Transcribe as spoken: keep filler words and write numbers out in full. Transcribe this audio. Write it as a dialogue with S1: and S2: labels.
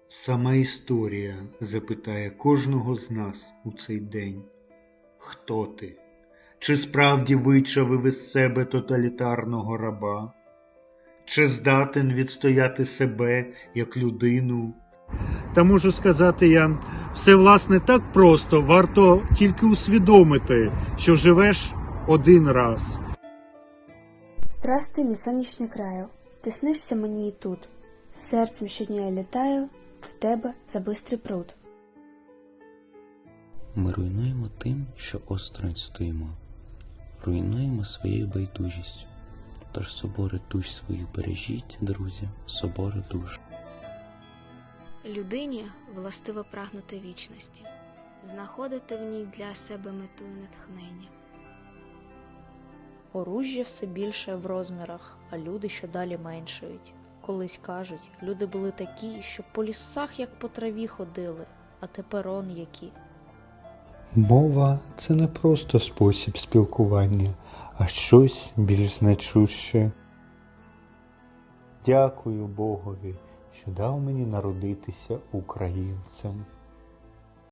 S1: Сама історія запитає кожного з нас у цей день: хто ти? Чи справді вичавив із себе тоталітарного раба? Чи здатен відстояти себе як людину? Та можу сказати я, все власне так просто, варто тільки усвідомити, що живеш один раз.
S2: Здрастуй, мій сонячний краю, ти снишся мені і тут. Серцем щодня я літаю в тебе за бистрий пруд.
S3: Ми руйнуємо тим, що осторонь стоїмо. Руйнуємо своєю байдужістю. Тож собори душ своїх бережіть, друзі, собори душ.
S4: Людині властиво прагнути вічності, знаходити в ній для себе мету і натхнення.
S5: Оружжя все більше в розмірах, а люди щодалі меншають. Колись кажуть, люди були такі, що по лісах як по траві ходили, а тепер он які.
S6: Мова – це не просто спосіб спілкування, а щось більш значуще. Дякую Богові, що дав мені народитися українцем.